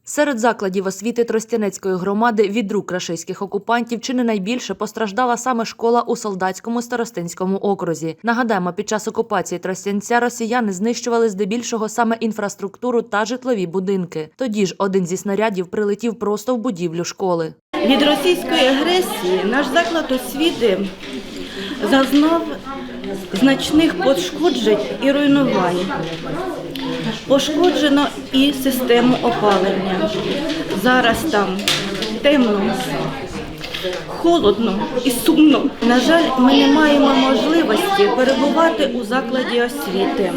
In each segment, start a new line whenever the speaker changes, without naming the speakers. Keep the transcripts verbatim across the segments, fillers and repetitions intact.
Серед закладів освіти Тростянецької громади від рук рашистських окупантів чи не найбільше постраждала саме школа у Солдатському старостинському окрузі. Нагадаємо, під час окупації Тростянця росіяни знищували здебільшого саме інфраструктуру та житлові будинки. Тоді ж один зі снарядів прилетів просто в будівлю школи.
Від російської агресії наш заклад освіти зазнав значних пошкоджень і руйнувань. Пошкоджено і систему опалення. Зараз там темно, холодно і сумно. На жаль, ми не маємо можливості перебувати у закладі освіти,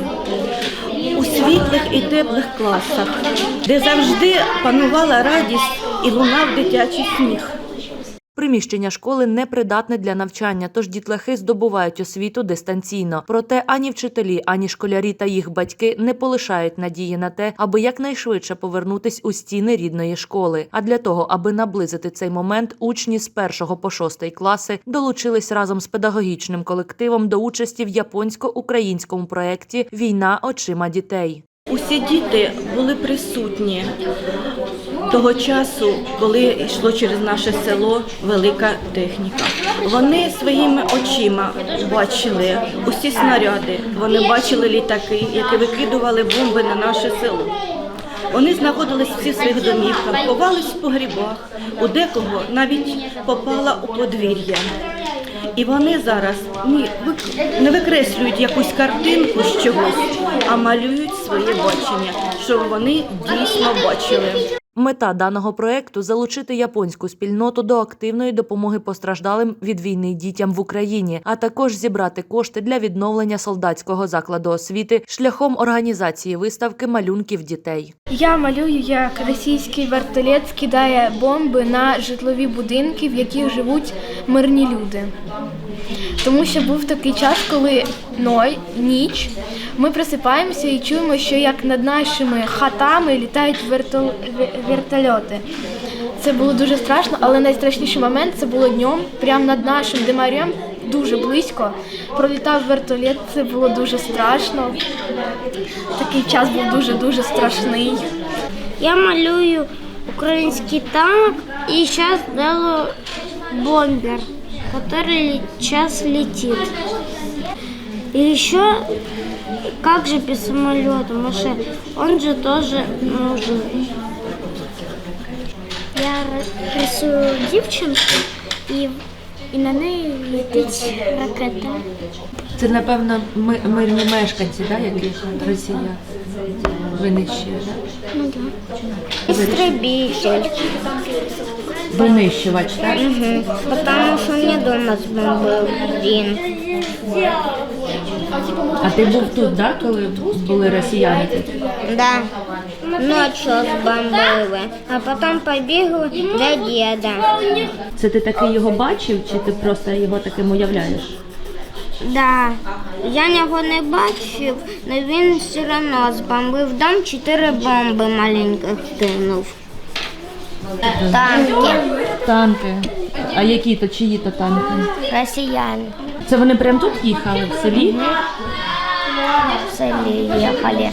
у світлих і теплих класах, де завжди панувала радість і лунав дитячий сміх.
Приміщення школи непридатне для навчання, тож дітлахи здобувають освіту дистанційно. Проте ані вчителі, ані школярі та їх батьки не полишають надії на те, аби якнайшвидше повернутись у стіни рідної школи. А для того, аби наблизити цей момент, учні з першого по шостий класи долучились разом з педагогічним колективом до участі в японсько-українському проєкті «Війна очима дітей».
Усі діти були присутні того часу, коли йшло через наше село велика техніка. Вони своїми очима бачили усі снаряди, вони бачили літаки, які викидували бомби на наше село. Вони знаходились всі в своїх домівках, ховались в погрібах, у декого навіть попала у подвір'я. І вони зараз не викреслюють якусь картинку з чогось, а малюють своє бачення, що вони дійсно бачили.
Мета даного проєкту – залучити японську спільноту до активної допомоги постраждалим від війни дітям в Україні, а також зібрати кошти для відновлення солдатського закладу освіти шляхом організації виставки малюнків дітей.
Я малюю, як російський вертоліт скидає бомби на житлові будинки, в яких живуть мирні люди. Тому що був такий час, коли ной, ніч, ми просипаємося і чуємо, що як над нашими хатами літають вертол... вертольоти. Це було дуже страшно, але найстрашніший момент – це було днем, прямо над нашим димарем, дуже близько. Пролітав вертоліт, це було дуже страшно. Такий час був дуже-дуже страшний.
Я малюю український танк і зараз делаю бомбер, который сейчас летит. И еще, как же без самолета, Маша, он же тоже нужен. Я рисую дівчинку і, і на неї летить ракета.
Це, напевно, мирні мешканці, да, які Росія винищує?
Ну так. Істребитель.
Винищувач, так?
Угу. Потому що мені вдома збомбив він.
А ти був тут, да, коли були росіяни тут?
Да. Ночью збомбили, а потім побігли до діда.
Це ти таки його бачив, чи ти просто його таким уявляєш?
Да. Я його не бачив, але він все одно збомбив дом, чотири бомби маленьких кинув. Танки.
Танки. А які то, чиї то танки?
Росіяни.
Це вони прямо тут їхали, в селі?
В селі їхали.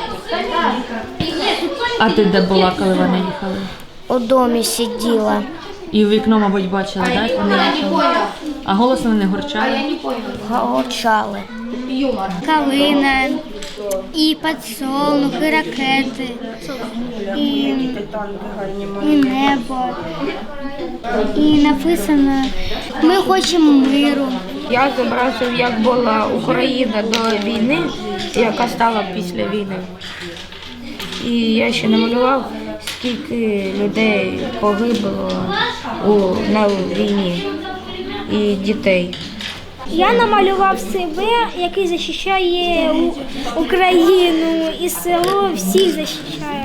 А ти де була, коли вони їхали?
У домі сиділа.
І в вікно, мабуть, бачила, так? Вони їхали? А голосно не горчали?
Горчали.
Калина, і підсолнух, і ракети, і, і небо. І написано «Ми хочемо миру».
Я зобразив, як була Україна до війни, яка стала після війни. І я ще намалював, скільки людей погибло у, на війні і дітей.
Я намалював себе, який захищає Україну, і село всіх захищає.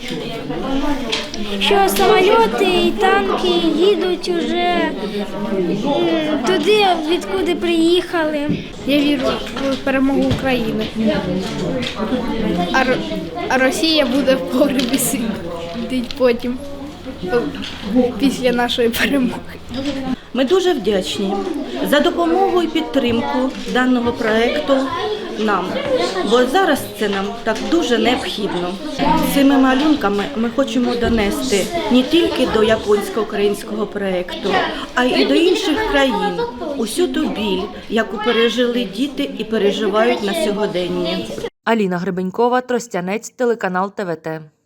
Що самоліти і танки їдуть уже туди, відкуди приїхали.
Я вірю в перемогу України. А, а Росія буде в погребі сидіти потім, після нашої перемоги.
Ми дуже вдячні за допомогу і підтримку даного проєкту нам, бо зараз це нам так дуже необхідно. Цими малюнками ми хочемо донести не тільки до японсько-українського проєкту, а й до інших країн усю ту біль, яку пережили діти і переживають на сьогоденні.
Аліна Гребенькова, Тростянець, телеканал Т В Т.